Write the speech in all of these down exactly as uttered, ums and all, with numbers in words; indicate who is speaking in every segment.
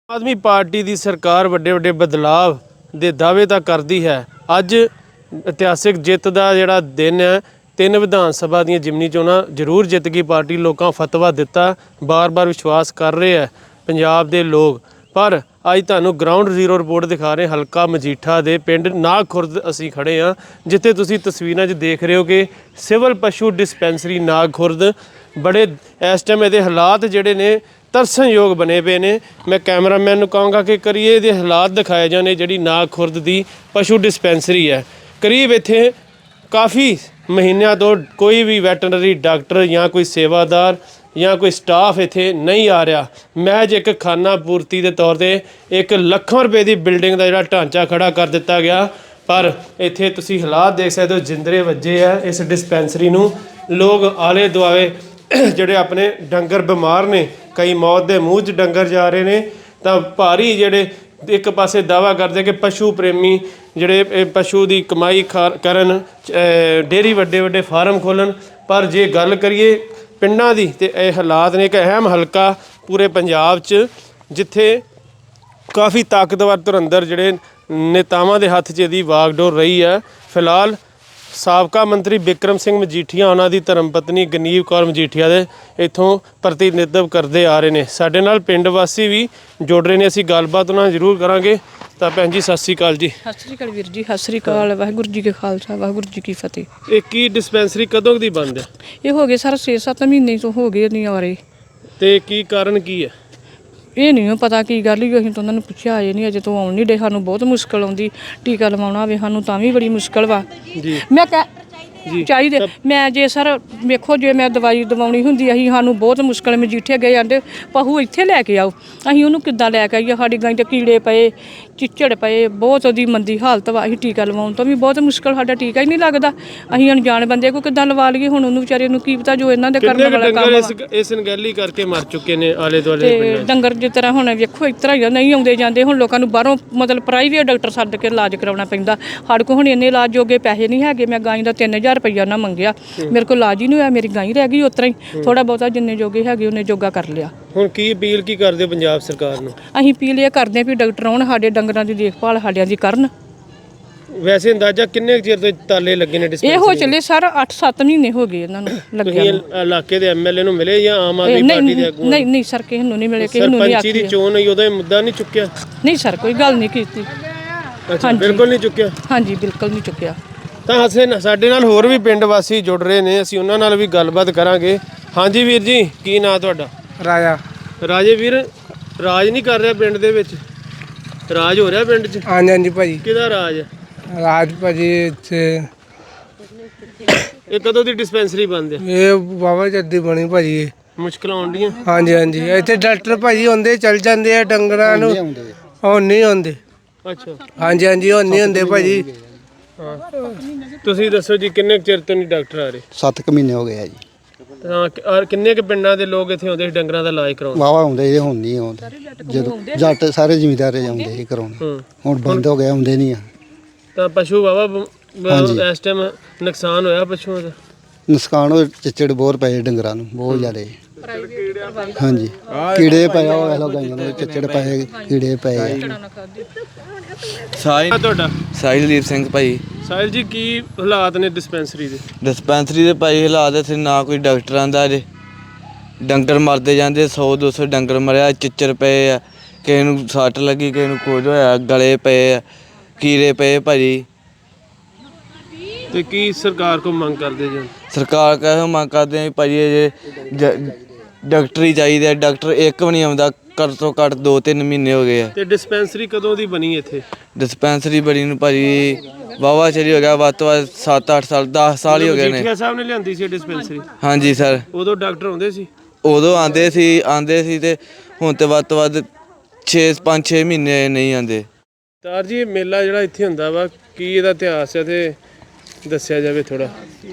Speaker 1: ਆਦਮੀ party ਦੀ ਸਰਕਾਰ ਵੱਡੇ ਵੱਡੇ ਬਦਲਾਵ ਦੇ ਦਾਅਵੇ ਤਾਂ ਕਰਦੀ ਹੈ। ਅੱਜ ਇਤਿਹਾਸਿਕ ਜਿੱਤ ਦਾ ਜਿਹੜਾ ਦਿਨ ਹੈ, ਤਿੰਨ ਵਿਧਾਨ ਸਭਾ ਦੀਆਂ ਜਿਮਨੀ ਚੋਣਾਂ ਜ਼ਰੂਰ ਜਿੱਤ ਗਈ ਪਾਰਟੀ। ਲੋਕਾਂ ਫਤਵਾ ਦਿੱਤਾ, ਬਾਰ-ਬਾਰ ਵਿਸ਼ਵਾਸ ਕਰ ਰਹੇ ਹੈ ਪੰਜਾਬ ਦੇ ਲੋਕ। ਪਰ ਅੱਜ ਤੁਹਾਨੂੰ ਗਰਾਊਂਡ ਜ਼ੀਰੋ ਰਿਪੋਰਟ ਦਿਖਾ ਰਹੇ ਹਲਕਾ ਮਜੀਠਾ ਦੇ ਪਿੰਡ ਨਾਗ ਖੁਰਦ ਅਸੀਂ ਖੜੇ ਹਾਂ, ਜਿੱਥੇ ਤੁਸੀਂ ਤਸਵੀਰਾਂ 'ਚ ਦੇਖ ਰਹੇ ਹੋ ਕਿ ਸਿਵਲ ਪਸ਼ੂ ਡਿਸਪੈਂਸਰੀ ਨਾਗ ਖੁਰਦ ਬੜੇ ਇਸ ਟਾਈਮ ਇਹਦੇ ਹਾਲਾਤ ਜਿਹੜੇ ਨੇ ਤਰਸਣਯੋਗ ਬਣੇ ਪਏ ਨੇ। मैं कैमरामैन ਨੂੰ ਕਹਾਂਗਾ ਕਿ ਕਰੀਏ ਇਹਦੇ ਹਾਲਾਤ ਦਿਖਾਏ ਜਾਣੇ। ਜਿਹੜੀ ਨਾਗ ਖੁਰਦ ਦੀ ਪਸ਼ੂ ਡਿਸਪੈਂਸਰੀ ਹੈ, ਕਰੀਬ ਇੱਥੇ ਕਾਫੀ ਮਹੀਨਿਆਂ ਤੋਂ ਕੋਈ ਵੀ ਵੈਟਰਨਰੀ ਡਾਕਟਰ ਜਾਂ ਕੋਈ ਸੇਵਾਦਾਰ ਜਾਂ ਕੋਈ ਸਟਾਫ ਇੱਥੇ ਨਹੀਂ ਆ ਰਿਹਾ। ਮਹਿਜ ਇੱਕ ਖਾਨਾ ਪੂਰਤੀ ਦੇ ਤੌਰ 'ਤੇ ਇੱਕ ਲੱਖਾਂ ਰੁਪਏ ਦੀ ਬਿਲਡਿੰਗ ਦਾ ਜਿਹੜਾ ਢਾਂਚਾ ਖੜਾ ਕਰ ਦਿੱਤਾ ਗਿਆ। ਪਰ ਇੱਥੇ ਤੁਸੀਂ ਹਾਲਾਤ ਦੇਖ ਸਕਦੇ ਹੋ, ਜਿੰਦਰੇ ਵੱਜੇ ਆ ਇਸ ਡਿਸਪੈਂਸਰੀ ਨੂੰ। ਲੋਕ ਆਲੇ ਦੁਆਲੇ ਜਿਹੜੇ ਆਪਣੇ ਡੰਗਰ ਬਿਮਾਰ ਨੇ, ਕਈ ਮੌਤ ਦੇ ਮੂੰਹ 'ਚ ਡੰਗਰ ਜਾ ਰਹੇ ਨੇ। ਤਾਂ ਭਾਰੀ ਜਿਹੜੇ ਇੱਕ ਪਾਸੇ ਦਾਅਵਾ ਕਰਦੇ ਕਿ ਪਸ਼ੂ ਪ੍ਰੇਮੀ ਜਿਹੜੇ ਇਹ ਪਸ਼ੂ ਦੀ ਕਮਾਈ ਖਾ ਕਰਨ, ਡੇਅਰੀ ਵੱਡੇ ਵੱਡੇ ਫਾਰਮ ਖੋਲ੍ਹਣ। ਪਰ ਜੇ ਗੱਲ ਕਰੀਏ ਪਿੰਡਾਂ ਦੀ, ਤਾਂ ਇਹ ਹਾਲਾਤ ਨੇ। ਇੱਕ ਅਹਿਮ ਹਲਕਾ ਪੂਰੇ ਪੰਜਾਬ 'ਚ ਜਿੱਥੇ ਕਾਫੀ ਤਾਕਤਵਰ ਧੁਰੰਦਰ ਜਿਹੜੇ ਨੇਤਾਵਾਂ ਦੇ ਹੱਥ 'ਚ ਇਹਦੀ ਵਾਗਡੋਰ ਰਹੀ ਹੈ। ਫਿਲਹਾਲ ਸਾਬਕਾ ਮੰਤਰੀ ਬਿਕਰਮ ਸਿੰਘ ਮਜੀਠੀਆ, ਉਹਨਾਂ ਦੀ ਧਰਮ ਪਤਨੀ ਗਨੀਵ ਕੌਰ ਮਜੀਠੀਆ ਦੇ ਇੱਥੋਂ ਪ੍ਰਤੀਨਿਧਤਵ ਕਰਦੇ ਆ ਰਹੇ ਨੇ। ਸਾਡੇ ਨਾਲ ਪਿੰਡ ਵਾਸੀ ਵੀ ਜੁੜ ਰਹੇ ਨੇ, ਅਸੀਂ ਗੱਲਬਾਤ ਉਹਨਾਂ ਨਾਲ ਜ਼ਰੂਰ ਕਰਾਂਗੇ। ਤਾਂ ਭੈਣ ਜੀ ਸਤਿ ਸ਼੍ਰੀ ਅਕਾਲ ਜੀ।
Speaker 2: ਸਤਿ ਸ਼੍ਰੀ ਅਕਾਲ ਵੀਰ ਜੀ। ਸਤਿ ਸ਼੍ਰੀ ਅਕਾਲ। ਵਾਹਿਗੁਰੂ ਜੀ ਕੇ ਖਾਲਸਾ, ਵਾਹਿਗੁਰੂ ਜੀ ਕੀ ਫਤਿਹ।
Speaker 1: ਇਹ ਕੀ ਡਿਸਪੈਂਸਰੀ ਕਦੋਂ ਦੀ ਬੰਦ ਹੈ?
Speaker 2: ਇਹ ਹੋ ਗਏ ਸਰ ਛੇ ਸੱਤ ਮਹੀਨੇ ਤੋਂ ਹੋ ਗਏ ਨਹੀਂ ਆ ਰਹੇ।
Speaker 1: ਤੇ ਕੀ ਕਾਰਨ ਕੀ ਹੈ?
Speaker 2: ਇਹ ਨਹੀਂ ਪਤਾ ਕੀ ਗੱਲ ਹੀ। ਅਸੀਂ ਤਾਂ ਉਹਨਾਂ ਨੂੰ ਪੁੱਛਿਆ ਆਏ ਨਹੀਂ, ਅਜੇ ਤੋਂ ਆਉਣ ਨਹੀਂ ਡੇ। ਸਾਨੂੰ ਬਹੁਤ ਮੁਸ਼ਕਿਲ ਆਉਂਦੀ, ਟੀਕਾ ਲਵਾਉਣਾ ਹੋਵੇ ਸਾਨੂੰ ਤਾਂ ਵੀ ਬੜੀ ਮੁਸ਼ਕਿਲ ਵਾ
Speaker 1: ਜੀ।
Speaker 2: ਮੈਂ ਕਹਿ ਚਾਹੀਦੇ ਮੈਂ ਜੇ ਸਰ ਵੇਖੋ, ਜੇ ਮੈਂ ਦਵਾਈ ਦਵਾਉਣੀ ਹੁੰਦੀ ਅਸੀਂ ਸਾਨੂੰ ਬਹੁਤ ਮੁਸ਼ਕਿਲ। ਮਜੀਠੇ ਗਏ ਆਂਦੇ ਪਹੂ ਇੱਥੇ ਲੈ ਕੇ ਆਓ, ਅਸੀਂ ਉਹਨੂੰ ਕਿੱਦਾਂ ਲੈ ਕੇ ਆਈਏ? ਸਾਡੀ ਗਾਂ 'ਤੇ ਕੀੜੇ ਪਏ, ਚਿੱਚੜ ਪਏ, ਬਹੁਤ ਉਹਦੀ ਮੰਦੀ ਹਾਲਤ ਵਾ। ਅਸੀਂ ਟੀਕਾ ਲਵਾਉਣ ਤੋਂ ਵੀ ਬਹੁਤ ਮੁਸ਼ਕਿਲ, ਸਾਡਾ ਟੀਕਾ ਹੀ ਨਹੀਂ ਲੱਗਦਾ। ਅਸੀਂ ਅਣਜਾਣ ਬੰਦੇ ਕੋ ਕਿੱਦਾਂ ਲਵਾ ਲਈਏ? ਹੁਣ ਉਹਨੂੰ ਵਿਚਾਰੇ ਨੂੰ ਕੀ ਪਤਾ ਜੋ ਇਹਨਾਂ ਦੇ ਕਰਨ ਵਾਲਾ ਕੰਮ ਵਾ।
Speaker 1: ਇਸ ਨਗੈਲੀ ਕਰਕੇ ਮਰ ਚੁੱਕੇ ਨੇ ਆਲੇ ਦੁਆਲੇ
Speaker 2: ਤੇ ਡੰਗਰ ਜਿਸ ਤਰ੍ਹਾਂ ਹੁਣ ਵੇਖੋ ਇਸ ਤਰ੍ਹਾਂ ਹੀ ਨਹੀਂ ਆਉਂਦੇ ਜਾਂਦੇ। ਹੁਣ ਲੋਕਾਂ ਨੂੰ ਬਾਹਰੋਂ ਮਤਲਬ ਪ੍ਰਾਈਵੇਟ ਡਾਕਟਰ ਸੱਦ ਕੇ ਇਲਾਜ ਕਰਾਉਣਾ ਪੈਂਦਾ। ਸਾਡੇ ਕੋਲ ਹੁਣ ਇੰਨੇ ਇਲਾਜ ਜੋਗੇ ਪੈਸੇ ਨਹੀਂ ਹੈਗੇ। ਮੈਂ ਗਾਂ ਦਾ ਤਿੰਨ ਹਜ਼ਾਰ ਰੁਪਈਆ ਉਹਨਾਂ ਮੰਗਿਆ, ਮੇਰੇ ਕੋਲ ਇਲਾਜ ਹੀ ਨਹੀਂ ਹੋਇਆ। ਮੇਰੀ ਗਾਂ ਹੀ ਰਹਿ ਗਈ ਉਸ ਤਰ੍ਹਾਂ ਹੀ। ਥੋੜਾ ਬਹੁਤਾ ਜਿੰਨੇ ਜੋਗੇ ਹੈਗੇ ਉਹਨੇ ਜੋਗਾ ਕਰ ਲਿਆ।
Speaker 1: ਹੁਣ ਕੀ ਅਪੀਲ ਕੀ ਕਰਦੇ ਪੰਜਾਬ ਸਰਕਾਰ ਨੂੰ?
Speaker 2: ਅਸੀਂ ਅਪੀਲ ਇਹ ਕਰਦੇ ਵੀ ਡਾਕਟਰ ਆਉਣ, ਸਾਡੇ ਡੰਗਰਾਂ ਦੀ ਦੇਖਭਾਲ ਸਾਡਿਆਂ ਦੀ ਕਰਨ।
Speaker 1: ਵੈਸੇ ਅੰਦਾਜ਼ਾ ਕਿੰਨੇ ਚਿਰ ਤੋਂ ਤਾਲੇ ਲੱਗੇ ਨੇ ਡਿਸਪੈਂਸਰੀ?
Speaker 2: ਇਹ ਹੋ ਚੱਲੇ ਸਰ ਅੱਠ ਸੱਤ ਮਹੀਨੇ ਹੋ ਗਏ ਇਹਨਾਂ ਨੂੰ ਲੱਗਿਆ।
Speaker 1: ਤੁਸੀਂ ਇਲਾਕੇ ਦੇ ਐਮਐਲਏ ਨੂੰ ਮਿਲੇ ਜਾਂ ਆਮ ਆਦਮੀ ਪਾਰਟੀ ਦੇ ਆਗੂ?
Speaker 2: ਨਹੀਂ ਨਹੀਂ ਸਰ, ਕਿਸੇ ਨੂੰ ਨਹੀਂ ਮਿਲੇ, ਕਿਸੇ ਨੂੰ ਨਹੀਂ ਆਖਿਆ।
Speaker 1: ਸਰਪੰਚੀ ਦੀ ਚੋਣ ਹੋਈ, ਉਹਦਾ ਮੁੱਦਾ ਨਹੀਂ ਚੁੱਕਿਆ?
Speaker 2: ਨਹੀਂ ਸਰ, ਕੋਈ ਗੱਲ ਨਹੀਂ ਕੀਤੀ।
Speaker 1: ਅੱਛਾ, ਬਿਲਕੁਲ ਨਹੀਂ ਚੁੱਕਿਆ?
Speaker 2: ਹਾਂਜੀ, ਬਿਲਕੁਲ ਨਹੀਂ ਚੁੱਕਿਆ।
Speaker 1: ਤਾਂ ਹਸੇ ਸਾਡੇ ਨਾਲ ਹੋਰ ਵੀ ਪਿੰਡ ਵਾਸੀ ਜੁੜ ਰਹੇ ਨੇ, ਅਸੀਂ ਉਹਨਾਂ ਨਾਲ ਵੀ ਗੱਲਬਾਤ ਕਰਾਂਗੇ। ਹਾਂਜੀ ਵੀਰ ਜੀ, ਕੀ ਨਾਂ ਤੁਹਾਡਾ?
Speaker 3: ਰਾਜਾ।
Speaker 1: ਰਾਜੇ ਵੀਰ, ਰਾਜ ਨਹੀਂ ਕਰ ਰਿਹਾ ਪਿੰਡ ਦੇ ਵਿੱਚ? ਰਾਜ ਹੋ ਰਿਹਾ ਪਿੰਡ 'ਚ?
Speaker 3: ਹਾਂਜੀ ਹਾਂਜੀ ਭਾਜੀ।
Speaker 1: ਕਿਹਦਾ ਰਾਜ ਹੈ?
Speaker 3: ਰਾਜ ਭਾਜੀ ਇੱਥੇ
Speaker 1: ਇਹ ਕਦੋਂ ਦੀ ਡਿਸਪੈਂਸਰੀ ਬੰਦ ਹੈ?
Speaker 3: ਇਹ ਬਾਬਾ ਜੱਦੀ ਬਣੀ ਭਾਜੀ। ਇਹ
Speaker 1: ਮੁਸ਼ਕਲਾਂ ਆਉਂਦੀਆਂ?
Speaker 3: ਹਾਂਜੀ ਹਾਂਜੀ, ਇੱਥੇ ਡਾਕਟਰ ਭਾਜੀ ਹੁੰਦੇ ਚਲ ਜਾਂਦੇ ਆ ਡੰਗਰਾਂ ਨੂੰ, ਹੁਣ ਨਹੀਂ ਆਉਂਦੇ।
Speaker 1: ਅੱਛਾ।
Speaker 3: ਹਾਂਜੀ ਹਾਂਜੀ, ਹੁਣ ਨਹੀਂ ਹੁੰਦੇ ਭਾਜੀ।
Speaker 1: ਹਾਂ, ਤੁਸੀਂ ਦੱਸੋ ਜੀ, ਕਿੰਨੇ ਚਿਰ ਤੋਂ ਨਹੀਂ ਡਾਕਟਰ ਆ ਰਹੇ?
Speaker 4: ਸੱਤ ਕੁ ਮਹੀਨੇ ਹੋ ਗਏ ਆ ਜੀ।
Speaker 1: ਹਾਂ, ਔਰ ਕਿੰਨੇ ਕੁ ਪਿੰਡਾਂ ਦੇ ਲੋਕ ਇੱਥੇ ਆਉਂਦੇ ਸੀ ਡੰਗਰਾਂ ਦਾ ਇਲਾਜ ਕਰਾਉਣ?
Speaker 4: ਵਾਵਾ ਆਉਂਦੇ ਜੀ, ਹੁਣ ਨਹੀਂ ਆਉਂਦੇ। ਜਦੋਂ ਜੱਟ ਸਾਰੇ ਜ਼ਿਮੀਂਦਾਰ ਆਉਂਦੇ ਸੀ ਕਰਾਉਣ, ਹੁਣ ਬੰਦ ਹੋ ਗਿਆ, ਆਉਂਦੇ ਨਹੀਂ ਆ।
Speaker 1: ਤਾਂ ਪਸ਼ੂ ਵਾਵਾ ਇਸ ਟਾਈਮ ਨੁਕਸਾਨ ਹੋਇਆ ਪਸ਼ੂਆਂ ਦਾ?
Speaker 4: ਨੁਕਸਾਨ ਹੋਏ, ਚਿੱਚੜ ਬਹੁਤ ਪਏ ਡੰਗਰਾਂ ਨੂੰ, ਬਹੁਤ ਜ਼ਿਆਦਾ। ਹਾਂਜੀ, ਕੀੜੇ ਪਏ ਹੋਏ ਲੋ ਗਾਈਆਂ ਨੂੰ, ਚਿੱਚੜ ਪਏ, ਕੀੜੇ ਪਏ।
Speaker 1: ਸਾਹਿਲ ਤੁਹਾਡਾ?
Speaker 5: ਸਾਹਿਲਦੀਪ ਸਿੰਘ ਭਾਈ।
Speaker 1: ਸਾਹਿਲ ਜੀ, ਕੀ ਹਾਲਾਤ ਨੇ ਡਿਸਪੈਂਸਰੀ ਦੇ?
Speaker 5: ਡਿਸਪੈਂਸਰੀ ਦੇ ਭਾਈ ਹਾਲਾਤ ਇੱਥੇ ਨਾ ਕੋਈ ਡਾਕਟਰ ਆਂਦਾ ਜੇ, ਡੰਗਰ ਮਰਦੇ ਜਾਂਦੇ, ਸੌ ਦੋ ਸੌ ਡੰਗਰ ਮਰਿਆ, ਚਿੱਚੜ ਪਏ ਆ, ਕਿਸੇ ਨੂੰ ਸੱਟ ਲੱਗੀ, ਕਿਸੇ ਨੂੰ ਕੁਝ ਹੋਇਆ, ਗਲੇ ਪਏ ਆ, ਕੀੜੇ ਪਏ ਭਾਜੀ।
Speaker 1: ਤੇ ਕੀ ਸਰਕਾਰ ਕੋਲ ਮੰਗ ਕਰਦੇ ਜੀ?
Speaker 5: ਸਰਕਾਰ ਕਹੇ ਮੰਗ ਕਰਦੇ ਆ ਭਾਜੀ, ਜੇ ਡਾਕਟਰ ਹੀ ਚਾਹੀਦੇ। ਡਾਕਟਰ ਇੱਕ ਵੀ ਨਹੀਂ ਆਉਂਦਾ, ਘੱਟ ਤੋਂ ਘੱਟ ਦੋ ਤਿੰਨ ਮਹੀਨੇ ਹੋ ਗਏ ਆ।
Speaker 1: ਤੇ ਡਿਸਪੈਂਸਰੀ ਕਦੋਂ ਦੀ ਬਣੀ ਇੱਥੇ?
Speaker 5: ਡਿਸਪੈਂਸਰੀ ਬੜੀ ਨੂੰ ਭਾਜੀ ਵਾਹਵਾ ਚਿਰ ਹੋ ਗਿਆ, ਵੱਧ ਤੋਂ ਵੱਧ ਸੱਤ ਅੱਠ ਸਾਲ, ਦਸ ਸਾਲ ਹੀ ਹੋ ਗਏ ਨੇ।
Speaker 1: ਮਜੀਠੀਆ ਸਾਹਿਬ ਨੇ ਲਿਆਂਦੀ ਸੀ ਡਿਸਪੈਂਸਰੀ?
Speaker 5: ਹਾਂਜੀ ਸਰ।
Speaker 1: ਉਦੋਂ ਡਾਕਟਰ ਆਉਂਦੇ ਸੀ?
Speaker 5: ਉਦੋਂ ਆਉਂਦੇ ਸੀ ਆਉਂਦੇ ਸੀ ਤੇ ਹੁਣ ਤੇ ਵੱਧ ਤੋਂ ਵੱਧ ਛੇ ਪੰਜ ਛੇ ਮਹੀਨੇ ਨਹੀਂ ਆਉਂਦੇ।
Speaker 1: ਤਾਰ ਜੀ, ਇਹ ਮੇਲਾ ਜਿਹੜਾ ਇੱਥੇ ਹੁੰਦਾ ਵਾ, ਕੀ ਇਹਦਾ ਇਤਿਹਾਸ ਹੈ ਤੇ ਦੱਸਿਆ ਜਾਵੇ ਥੋੜਾ।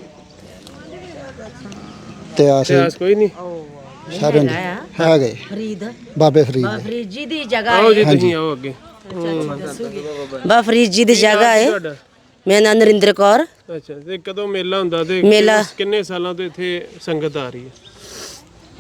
Speaker 1: ਇਤਿਹਾਸ ਕੋਈ ਨਹੀਂ?
Speaker 4: ਸਾਰੇ ਹੈਗੇ
Speaker 6: ਫਰੀਦ,
Speaker 4: ਬਾਬੇ ਫਰੀਦ
Speaker 6: ਫਰੀਦ ਜੀ ਦੀ ਜਗ੍ਹਾ
Speaker 1: ਆਓ ਜੀ, ਤੁਸੀਂ ਆਓ ਅੱਗੇ।
Speaker 6: ਬਾ ਫਰੀਦ ਜੀ ਦੀ ਜਗ੍ਹਾ ਹੈ। ਮੇਰਾ ਨਾਮ ਨਰਿੰਦਰ ਕੌਰ।
Speaker 1: ਅੱਛਾ, ਤੇ ਕਦੋਂ ਮੇਲਾ ਹੁੰਦਾ ਤੇ
Speaker 6: ਮੇਲਾ
Speaker 1: ਕਿੰਨੇ ਸਾਲਾਂ ਤੋਂ ਇੱਥੇ ਸੰਗਤ ਆ ਰਹੀ ਹੈ?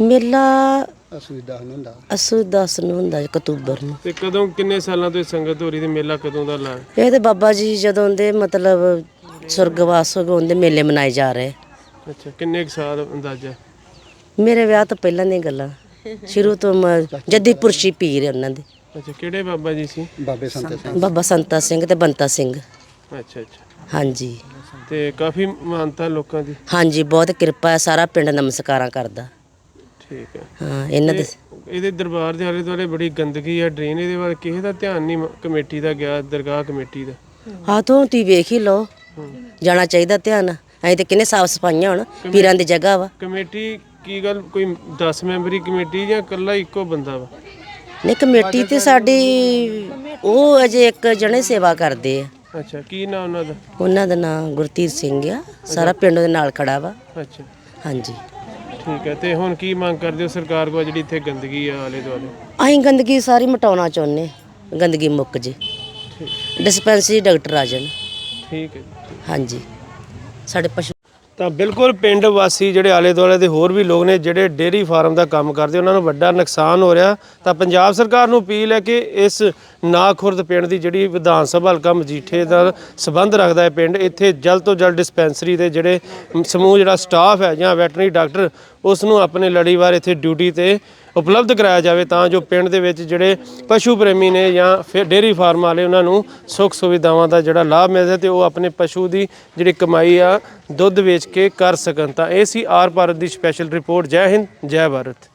Speaker 6: ਮੇਲਾ
Speaker 4: ਅਸੁਵਿਧਾ ਹੁੰਦਾ
Speaker 6: ਅਸੂ ਦਸ ਨੂੰ ਹੁੰਦਾ ਜੀ, ਅਕਤੂਬਰ ਨੂੰ।
Speaker 1: ਤੇ ਕਦੋਂ ਕਿੰਨੇ ਸਾਲਾਂ ਤੋਂ ਇਹ ਸੰਗਤ ਹੋ ਰਹੀ ਤੇ ਮੇਲਾ ਕਦੋਂ ਦਾ ਲਾ?
Speaker 6: ਇਹ ਤੇ ਬਾਬਾ ਜੀ ਜਦੋਂ ਦੇ ਮਤਲਬ ਸੁਰਗਵਾਸ ਹੋ ਗਏ ਉਹਦੇ ਮੇਲੇ ਮਨਾਏ ਜਾ ਰਹੇ।
Speaker 1: ਅੱਛਾ, ਕਿੰਨੇ ਕੁ ਸਾਲ ਅੰਦਾਜ਼ਾ?
Speaker 6: ਮੇਰੇ ਵਿਆਹ ਤੋਂ ਪਹਿਲਾਂ ਦੀਆਂ ਗੱਲਾਂ, ਸ਼ੁਰੂ ਤੋਂ ਮ- ਜੱਦੀ ਪੁਰਸ਼ੀ ਪੀਰ ਉਹਨਾਂ ਦੇ,
Speaker 1: ਅੱਛਾ, ਕਿਹੜੇ ਬਾਬਾ ਜੀ ਸੀ?
Speaker 4: ਬਾਬੇ ਸੰਤੇ ਸਿੰਘ
Speaker 6: ਬਾਬਾ ਸੰਤਾ ਸਿੰਘ ਤੇ ਬੰਤਾ ਸਿੰਘ।
Speaker 1: ਅੱਛਾ ਅੱਛਾ।
Speaker 6: ਹਾਂਜੀ
Speaker 1: ਤੇ ਕਾਫੀ ਮਾਨਤਾ ਲੋਕਾਂ ਦੀ?
Speaker 6: ਹਾਂਜੀ, ਬਹੁਤ ਕਿਰਪਾ ਹੈ, ਸਾਰਾ ਪਿੰਡ ਨਮਸਕਾਰਾਂ ਕਰਦਾ।
Speaker 1: ਠੀਕ ਹੈ।
Speaker 6: ਹਾਂ ਇਹਨਾਂ ਦੇ
Speaker 1: ਇਹਦੇ ਦਰਬਾਰ ਦੇ ਆਲੇ ਦੁਆਲੇ ਬੜੀ ਗੰਦਗੀ ਆ, ਡਰੇਨ, ਇਹਦੇ ਵੱਲ ਕਿਸੇ ਦਾ ਧਿਆਨ ਨਹੀਂ ਮ- ਕਮੇਟੀ ਦਾ ਗਿਆ, ਦਰਗਾਹ ਕਮੇਟੀ ਦਾ?
Speaker 6: ਹੱਥੋਂ ਤੀ ਵੇਖ ਹੀ ਲਓ, ਜਾਣਾ ਚਾਹੀਦਾ ਧਿਆਨ। ਅਸੀਂ ਤੇ ਕਿੰਨੇ ਸਾਫ ਸਫਾਈਆਂ ਹੁਣ, ਪੀਰਾਂ ਦੀ ਜਗ੍ਹਾ ਵਾ।
Speaker 1: ਕਮੇਟੀ ਕੀ ਗੱਲ, ਕੋਈ ਦਸ ਮੈਂਬਰੀ ਕਮੇਟੀ ਜਾਂ ਇਕੱਲਾ ਇੱਕੋ ਬੰਦਾ ਵਾ?
Speaker 6: ਨਹੀਂ, ਕਮੇਟੀ ਤੇ ਸਾਡੀ ਉਹ ਅਜੇ ਇੱਕ ਜਣੇ ਸੇਵਾ ਕਰਦੇ ਆ।
Speaker 1: ਅੱਛਾ, ਕੀ ਨਾਂ ਉਹਨਾਂ ਦਾ?
Speaker 6: ਉਹਨਾਂ ਦਾ ਨਾਮ ਗੁਰਤੀਰ ਸਿੰਘ ਆ, ਸਾਰਾ ਪਿੰਡ ਦੇ ਨਾਲ ਖੜਾ ਵਾ।
Speaker 1: ਅੱਛਾ,
Speaker 6: ਹਾਂਜੀ,
Speaker 1: ਠੀਕ ਹੈ। ਤੇ ਹੁਣ ਕੀ ਮੰਗ ਕਰਦੇ ਹੋ ਸਰਕਾਰ ਕੋਲ, ਜਿਹੜੀ ਇੱਥੇ ਗੰਦਗੀ ਆ ਆਲੇ ਦੁਆਲੇ?
Speaker 6: ਅਸੀਂ ਗੰਦਗੀ ਸਾਰੀ ਮਿਟਾਉਣਾ ਚਾਹੁੰਦੇ, ਗੰਦਗੀ ਮੁੱਕ ਜੇ, ਡਿਸਪੈਂਸਰੀ ਡਾਕਟਰ ਆ ਜਾਣ।
Speaker 1: ਠੀਕ ਹੈ ਜੀ।
Speaker 6: ਹਾਂਜੀ, ਸਾਡੇ ਪਸ਼ੂ
Speaker 1: ਤਾਂ ਬਿਲਕੁਲ ਪਿੰਡ ਵਾਸੀ ਜਿਹੜੇ ਆਲੇ ਦੁਆਲੇ ਦੇ ਹੋਰ ਵੀ ਲੋਕ ਨੇ ਜਿਹੜੇ ਡੇਅਰੀ ਫਾਰਮ ਦਾ ਕੰਮ ਕਰਦੇ, ਉਹਨਾਂ ਨੂੰ ਵੱਡਾ ਨੁਕਸਾਨ ਹੋ ਰਿਹਾ। ਤਾਂ ਪੰਜਾਬ ਸਰਕਾਰ ਨੂੰ ਅਪੀਲ ਹੈ ਕਿ ਇਸ ਨਾਖੁਰਦ ਪਿੰਡ ਦੀ ਜਿਹੜੀ ਵਿਧਾਨ ਸਭਾ ਹਲਕਾ ਮਜੀਠੇ ਦਾ ਸਬੰਧ ਰੱਖਦਾ ਹੈ ਪਿੰਡ, ਇੱਥੇ ਜਲਦ ਤੋਂ ਜਲਦ ਡਿਸਪੈਂਸਰੀ ਦੇ ਜਿਹੜੇ ਸਮੂਹ ਜਿਹੜਾ ਸਟਾਫ ਹੈ ਜਾਂ ਵੈਟਰਨਰੀ ਡਾਕਟਰ, ਉਸ ਨੂੰ ਆਪਣੇ ਲੜੀਵਾਰ ਇੱਥੇ ਡਿਊਟੀ ਤੇ ਉਪਲਬਧ ਕਰਾਇਆ ਜਾਵੇ, ਤਾਂ ਜੋ ਪਿੰਡ ਦੇ ਵਿੱਚ ਜਿਹੜੇ ਪਸ਼ੂ ਪ੍ਰੇਮੀ ਨੇ ਜਾਂ ਫਿਰ ਡੇਅਰੀ ਫਾਰਮ ਵਾਲੇ, ਉਹਨਾਂ ਨੂੰ ਸੁੱਖ ਸੁਵਿਧਾਵਾਂ ਦਾ ਜਿਹੜਾ ਲਾਭ ਮਿਲਦਾ ਤੇ ਉਹ ਆਪਣੇ ਪਸ਼ੂ ਦੀ ਜਿਹੜੀ ਕਮਾਈ ਆ ਦੁੱਧ ਵੇਚ ਕੇ ਕਰ ਸਕਣ। ਤਾਂ ਇਹ ਸੀ ਆਰ ਭਾਰਤ ਦੀ ਸਪੈਸ਼ਲ ਰਿਪੋਰਟ। ਜੈ ਹਿੰਦ, ਜੈ ਭਾਰਤ।